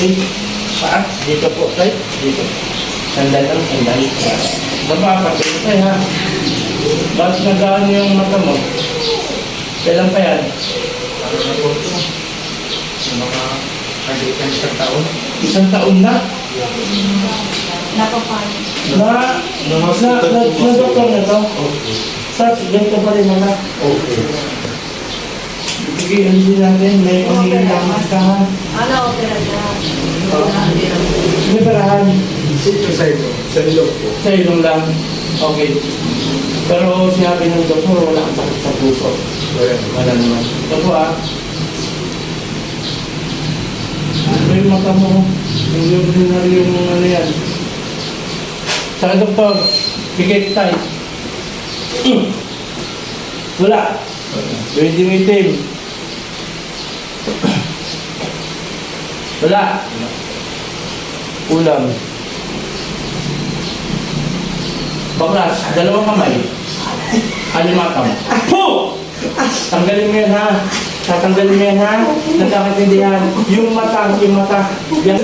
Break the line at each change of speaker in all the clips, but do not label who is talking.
Okay. Saan? Dito po, tay. Dito. Sandal lang, sandal. Baba, pati tay ha. Bakit nagaan yung mata mo? Kailan pa yan?
Para na po ito. Yung mga kandikan isang taon.
Isang taon na?
Napapano.
Na doktor na to?
Okay.
Sir, ganito pa rin naman.
Okay.
Sige, hindi natin. May umiilang ka ha.
Ano, opera na?
May parahan.
Sito sa ito. Sa ilog po.
Sa ilong lang. Okay. Pero sinabi ng doktor, wala kang sakit sa puso. Wala naman. Ito po ah. Ano yung mata mo? Yung ordinary yung ano yan. Sa doktor, pikit tayo. Wala. Pwede itim. Wala. Ulam. Baklas, dalawang kamay. Alimatang. Po! Tanggalin mo yan ha. Tatanggalin mo yan ha. Nagkakatindihan. Yung mata. Yan.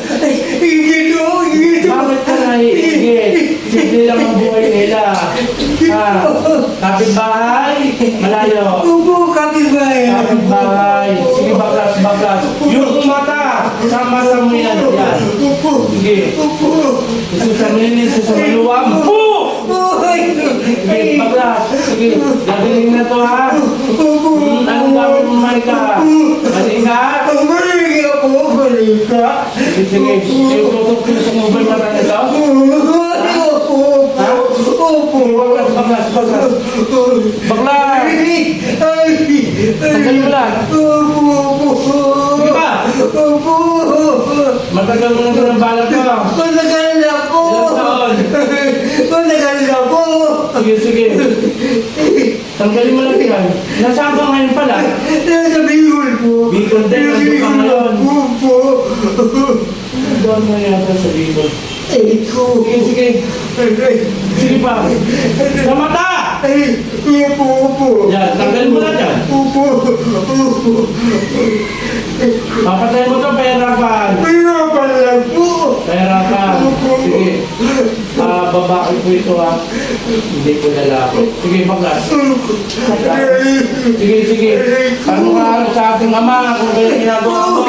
Bakit ka naiigit? Simple lang ang buhay nila. Ha? Kapitbahay? Malayo. Kapitbahay. Sige, baklas. Yung mata. Sama-sama mo yan. Sige. Sususaminin, susamaluwam. Po! Sige, baklas. Sige, gagaling na to ha. Anong gawin mo, Marika? Mali ka? Sige. Tutok ko sa mobile mata nito. Ha? Baklas. Baklas! Tanggalin mo lang. Sige pa! Matagal mo na ito ng balat ko. Ilang taon? Sige. Tanggalin mo lang yan. Nasaan ka ngayon pala? Bicol din, nandun ka ngayon. Doon mo yata sa Bicol. Sige. Sige pa. Sa mata! Yan, tanggalin mo lang yan. Papatay mo ito, pahirapan. Pahirapan. Sige. Babae po ito ha. Hindi po lalaki. Sige, baklas. Sige. Ano ka sa ating ama kung kaya ginagawa mo?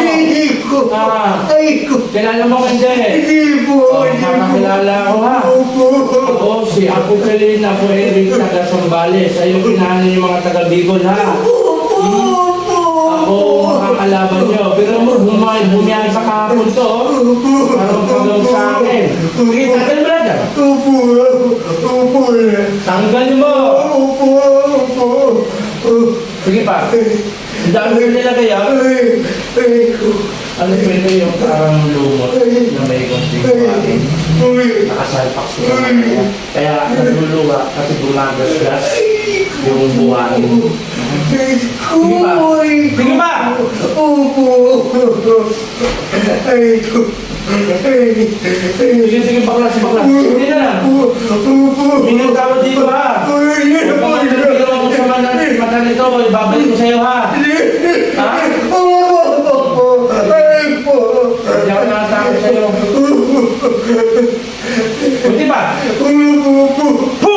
Kilala mo ka hindi? Makakilala ako ha. Ako si Apo Kalin, Apo Eric, taga Sambales. Ayaw kinahanin yung mga taga Bicol ha. Ako makakalaban nyo. Pero bumiyahin sa kahapon to. Parang pagawag sa akin. Sige, tanggal mo na dyan. Tanggal mo. Sige pa. Ang dami nila kaya. Ano pwede yung parang lumot na may konting kumain. Nakasalpak sila kaya. Kaya nagulunga kasi gumagasgas yung buhangin. Sige pa! Sige, baklas. Hindi na lang. Minang tawad dito ha. Kapag nagpagawa ko sa mata nito, ibabalik ko sa'yo ha. Ha? Hindi ako nakatakot sa'yo. Buti pa? Po!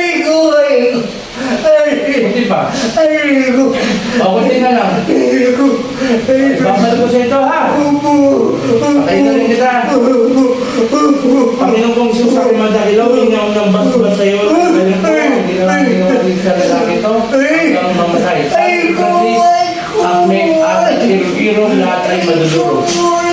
Buti pa? O, buti na lang. Ibabalik ko sa'yo ito ha. Patayin na rin kita. Panginoon kong Isus sa kumadakilaw, ingaw ng bas-bas sa'yo. Ganyan po, hindi na lang ginawalig sa lalaki ito. Hanggang mamatay. Sabi Francis, ang may at kiro lahat ay maduduro.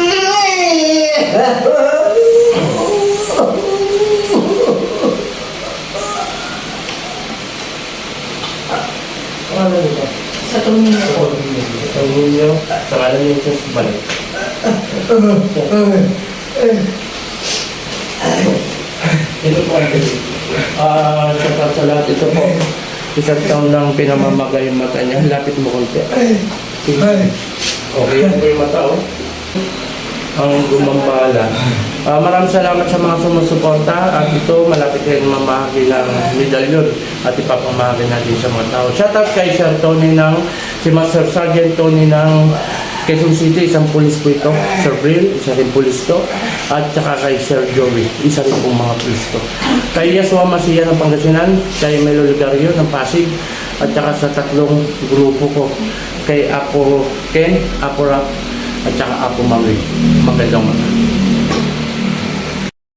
Ano ito?
Sa tumingin ko.
Sa ninyo, sa kalan niyo sa balik. Ito po ay sa lahat ito po. Isang taon lang pinamamagay yung mata niya. Lapit mo konti. Sige. Okay, yan po yung mata oh. Ang gumambala. Maraming salamat sa mga sumusuporta at ito malapit rin mamahagi ng medalyon at ipapamahagi natin sa mga tao. Shout out kay Sir Tony si Master Sergeant Tony ng Quezon City, isang pulis po ito. Sir Bril, isa rin pulis to. At saka kay Sir Joey, isa rin pong mga pulis to. Kay Yasua Masiya ng Pangasinan, kay Melo Ligario ng Pasig, at saka sa tatlong grupo ko, kay Apo Ken, Apo Rap, at saka Apo Mami. Magandang mga.